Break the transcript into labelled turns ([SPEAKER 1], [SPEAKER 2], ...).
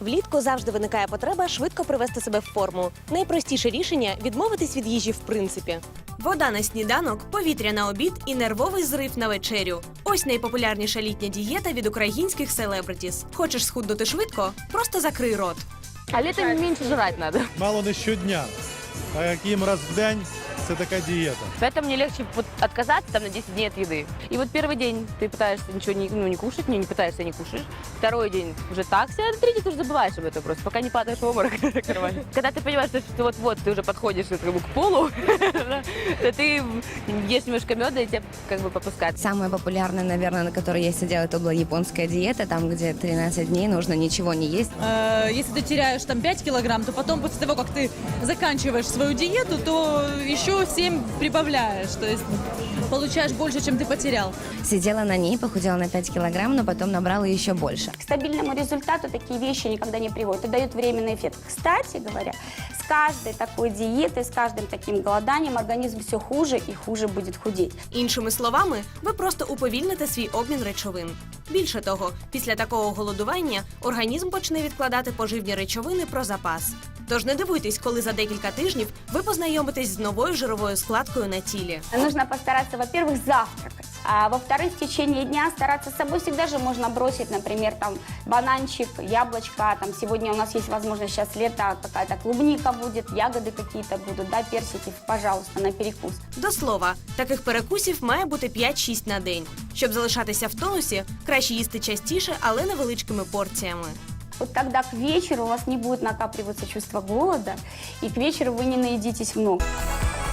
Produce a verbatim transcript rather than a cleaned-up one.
[SPEAKER 1] Влітку завжди виникає потреба швидко привести себе в форму. Найпростіше рішення – відмовитись від їжі в принципі. Вода на сніданок, повітря на обід і нервовий зрив на вечерю. Ось найпопулярніша літня дієта від українських селебритіс. Хочеш схуднути швидко? Просто закрий рот.
[SPEAKER 2] А летом меньше жрать надо.
[SPEAKER 3] Мало не щодня, а яким раз в день це така дієта.
[SPEAKER 2] Поэтому мне легче вот отказаться там на десять дней от еды. И вот первый день ты пытаешься ничего не, ну, не кушать, не, не пытаешься, не кушаешь. Второй день уже так себя, а третий ты уже забываешь об этом просто, пока не падаешь в обморок. Когда ты понимаешь, что вот-вот ты уже подходишь как бы, к полу, то ты ешь немножко меда и тебя как бы попускает.
[SPEAKER 4] Самая популярная, наверное, на которой я сидела, это была японская диета, там, где тринадцать дней нужно ничего не есть.
[SPEAKER 5] Если ты теряешь там пять килограмм, то потом, после того, как ты заканчиваешь свою диету, то еще семь прибавляешь, то есть получаешь больше, чем ты потерял.
[SPEAKER 4] Сидела на ней, похудела на пять килограмм, но потом набрала еще больше.
[SPEAKER 6] К стабильному результату такие вещи никогда не приводят и дают временный эффект. Кстати говоря, с каждой такой диетой, с каждым таким голоданием организм все хуже и хуже будет худеть.
[SPEAKER 1] Іншими словами, ви просто уповільните свій обмін речовин. Більше того, після такого голодування організм почне відкладати поживні речовини про запас. Тож не дивуйтесь, коли за декілька тижнів ви познайомитесь з новою жировою складкою на тілі.
[SPEAKER 6] Нужно постараться, во-первых, завтракать. А во-вторых, в течение дня стараться с собой всегда же можно бросить, например, там бананчик, яблочко. Там сегодня у нас есть возможность, сейчас лето, какая-то клубника будет, ягоды какие-то будут, да, персики, пожалуйста, на перекус.
[SPEAKER 1] До слова, таких перекусів має бути п'ять-шість на день. Щоб залишатися в тонусі, краще їсти частіше, але невеличкими порціями.
[SPEAKER 6] Вот тогда к вечеру у вас не будет накапливаться чувство голода, и к вечеру вы не наедитесь много.